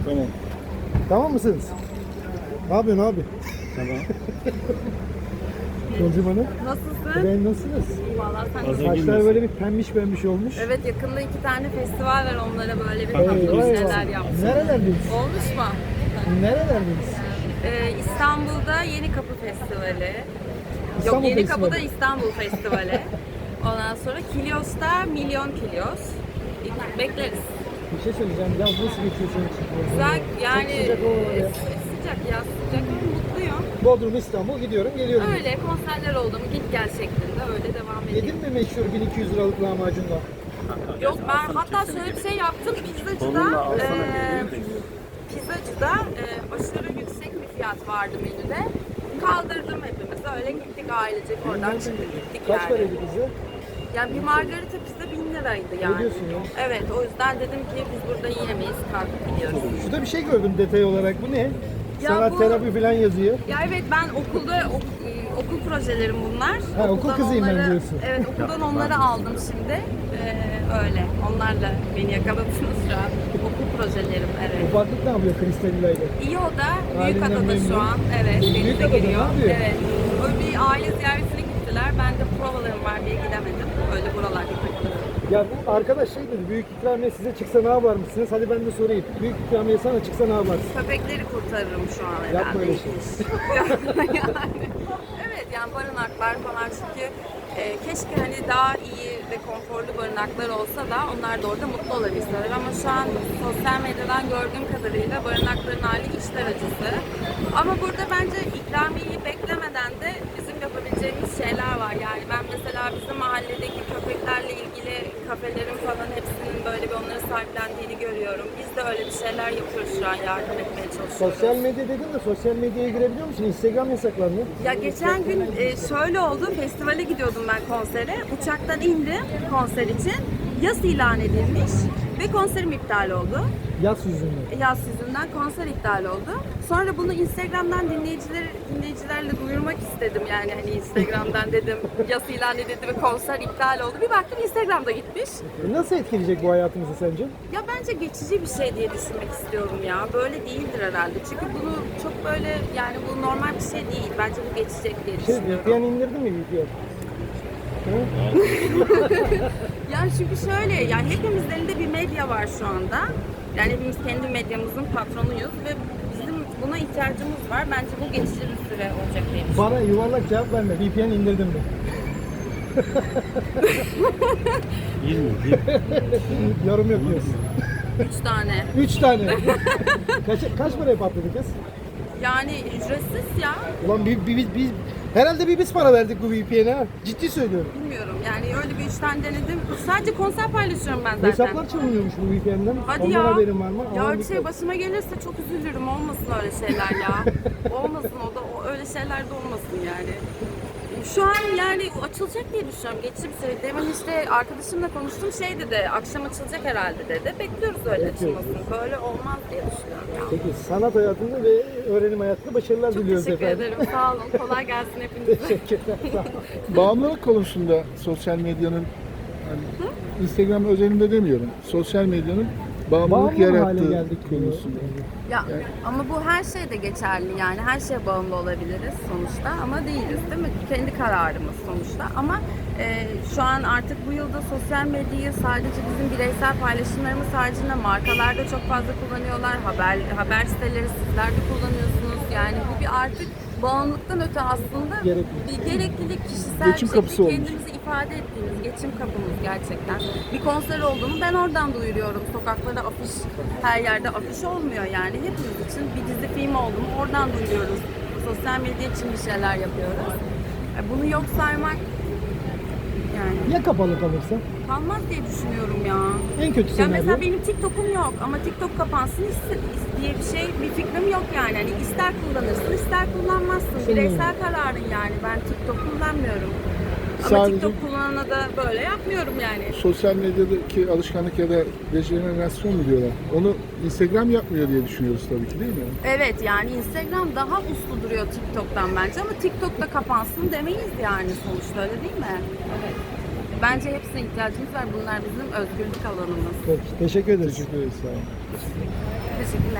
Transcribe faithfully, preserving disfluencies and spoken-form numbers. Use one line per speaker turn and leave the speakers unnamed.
Tamam.
Tamam mısınız? Ne yapıyorsun abi?
Tamam.
Yolcum Hanım.
Nasılsın?
Ben nasılsınız?
Vallahi sen
Hazır
nasılsın?
Saçlar böyle bir pembiş pembiş olmuş.
Evet, yakında iki tane festival var, onlara böyle bir
Eyvah,
tatlı bir
eyvah.
şeyler yaptım.
Nerelerdiniz?
Olmuş mu?
Nerelerdiniz?
Ee, İstanbul'da Yeni Kapı Festivali.
İstanbul
Yok, Yeni
Festivali.
Kapı'da İstanbul Festivali. Ondan sonra Kilyos'ta Milyon Kilyos. Bekleriz.
Bir şey söyleyeceğim. Ya nasıl geçiyor senin için?
Güzel yani,
Çok sıcak hava var ya.
e, sıcak ya, sıcak ama mutluyum.
Bodrum, İstanbul gidiyorum geliyorum.
Öyle konserler oldu mu git gel şeklinde öyle devam edeyim.
Yedin mi meşhur bin iki yüz liralık lahmacunla?
Yok, ben hatta şöyle bir şey yaptım. Pizzacıda e, pizzacıda e, aşırı yüksek bir fiyat vardı menüde. Kaldırdım hepimiz. Öyle gittik ailecek, oradan çıktık gittik
Kaç
yani.
paraydı bize?
Yani bir margarita pizza bin liraydı yani.
Ne diyorsun ya?
Evet, o yüzden dedim ki biz burada yiyemeyiz, kalkıp gidiyoruz.
Şurada bir şey gördüm detay olarak. Bu ne?
Ya
Sanat
bu-
terapi falan yazıyor.
Ya evet, ben okulda ok- e, okul projelerim bunlar.
Ha, okul
Okuldan
kızıyım ben
onları-
diyorsun.
Evet, okuldan onları aldım şimdi. Ee, öyle. Onlarla beni yakaladınız şu an. Okul projelerim, evet.
Ufaklık ne yapıyor Kristalina ile?
İyi o da.
Halinden
Büyükada'da
memnun.
şu an. Evet, denize
Büyükada'da ne
giriyor.
yapıyor?
Evet. Böyle bir aile ziyaretine gittiler. Ben de provalarım var diye gidemedim. Öyle buralarda takılıyorum.
Ya bu arkadaş şey dedi, büyük ikramiye size çıksa ne yapar mısınız? Hadi ben de sorayım. Büyük ikramiye sana çıksa ne yaparsın?
Köpekleri kurtarırım şu an herhalde.
Yapma öyle şey.
yani, evet, yani barınaklar falan, çünkü e, keşke hani daha iyi ve konforlu barınaklar olsa da onlar da orada mutlu olabilseler, ama şu an sosyal medyadan gördüğüm kadarıyla barınakların hali içler acısı. Ama burada bence ikramiyeyi beklemeden de bizim yapabileceğimiz şeyler var. Yani ben mesela bizim mahalledeki köpeklerle ilgili kafelerin falan hepsinin böyle bir onları sahiplendiğini görüyorum. Biz de öyle bir şeyler yapıyoruz şu an, yardım etmeye çalışıyoruz.
Sosyal medya dedin de sosyal medyaya girebiliyor musun? Instagram yasaklandı.
Ya geçen gün e, şöyle oldu, festivale gidiyordum ben konsere. Uçaktan indim konser için. Yas ilan edilmiş ve konserim iptal oldu.
Yaz yüzünden.
Yaz yüzünden konser iptal oldu. Sonra bunu Instagram'dan dinleyiciler dinleyicilerle duyurmak istedim. Yani hani Instagram'dan dedim yas ilan edildi ve konser iptal oldu. Bir baktım Instagram'da gitmiş.
E nasıl etkileyecek bu hayatımızı sence?
Ya bence geçici bir şey diye düşünmek istiyorum ya. Böyle değildir herhalde. Çünkü bunu çok böyle, yani bu normal bir şey değil. Bence bu geçecek diye
Şey,
düşünüyorum.
V P N indirdin mi V P N?
Yani çünkü şöyle, yani hepimizin elinde bir medya var şu anda. Yani hepimiz kendi medyamızın patronuyuz ve bizim buna ihtiyacımız var. Bence bu geçici bir süre olacak diye düşünüyorum.
Bana yuvarlak cevap verme. V P N indirdim mi?
yirmi.
Yorum yok diyorsun.
Üç tane.
Üç tane. kaç, kaç paraya patladı kız?
Yani ücretsiz ya.
Ulan bir, bir, biz, biz, herhalde bir biz para verdik bu V P N'e ha. Ciddi söylüyorum.
Bilmiyorum, yani öyle bir üç tane denedim. Sadece konser paylaşıyorum ben zaten.
Hesaplar çalınıyormuş bu V P N'den.
Hadi
Ondan
ya.
haberin var mı?
Ya
Aman
öyle bir şey
dikkat.
başıma gelirse çok üzülürüm. Olmasın öyle şeyler ya. Olmasın, o da o, öyle şeyler de olmasın yani. Şu an yani açılacak diye düşünüyorum. Geçici bir süre. Demin işte arkadaşımla konuştum, şey dedi, akşam açılacak herhalde dedi. Bekliyoruz öyle
Bekliyoruz.
açılmasını. Böyle olmaz diye düşünüyorum ya.
Peki sanat hayatında ve öğrenim hayatında başarılar
Çok
diliyoruz
teşekkür
efendim.
ederim. Sağ olun. Kolay gelsin hepinize.
Teşekkürler. Sağ olun.
Bağımlılık konusunda sosyal medyanın, hani Instagram özelinde demiyorum, sosyal medyanın bağımlılık
Bağımlı mı hale
yarattığı
geldik
konusunda.
Ya ama bu her şeyde geçerli, yani her şeye bağımlı olabiliriz sonuçta ama değiliz, değil mi? Kendi kararımız sonuçta, ama e, şu an artık bu yılda sosyal medyayı sadece bizim bireysel paylaşımlarımız haricinde markalar da çok fazla kullanıyorlar, haber haber siteleri sizler de kullanıyorsunuz, yani bu bir artık bağımlılıktan öte aslında
Gerekli.
bir gereklilik, kişisel
Geçim
bir
kapısı
şekilde
olmuş.
kendimizi ifade ettiğimiz geçim kapımız gerçekten. Bir konser olduğunu ben oradan duyuruyorum. Sokaklarda afiş, her yerde afiş olmuyor yani. Hepimiz için bir dizi film oldu mu oradan duyuruyoruz. Sosyal medya için bir şeyler yapıyoruz. E, Bunu yok saymak yani
Ya kapalı kalırsa?
kalmaz diye düşünüyorum ya.
En kötü
Ya
senaryo.
mesela benim TikTok'um yok ama TikTok kapansın is- is- diye bir şey, bir fikrim yok yani. Hani ister kullanırsın, ister kullanmazsın.
Senin
Bireysel kararın yani. Ben TikTok kullanmıyorum. Ama
Sadece-
TikTok kullanana da böyle yapmıyorum yani.
Sosyal medyadaki alışkanlık ya da dejenerasyon mu diyorlar? Onu Instagram yapmıyor diye düşünüyoruz tabii ki, değil mi?
Evet, yani Instagram daha uslu duruyor TikTok'tan bence, ama TikTok'ta kapansın demeyiz yani sonuçta, öyle değil mi? Evet. Bence hepsine ihtiyacımız var. Bunlar bizim özgürlük alanımız.
Peki, teşekkür ederiz.
Teşekkür ederiz. Sağ olun.
Teşekkürler.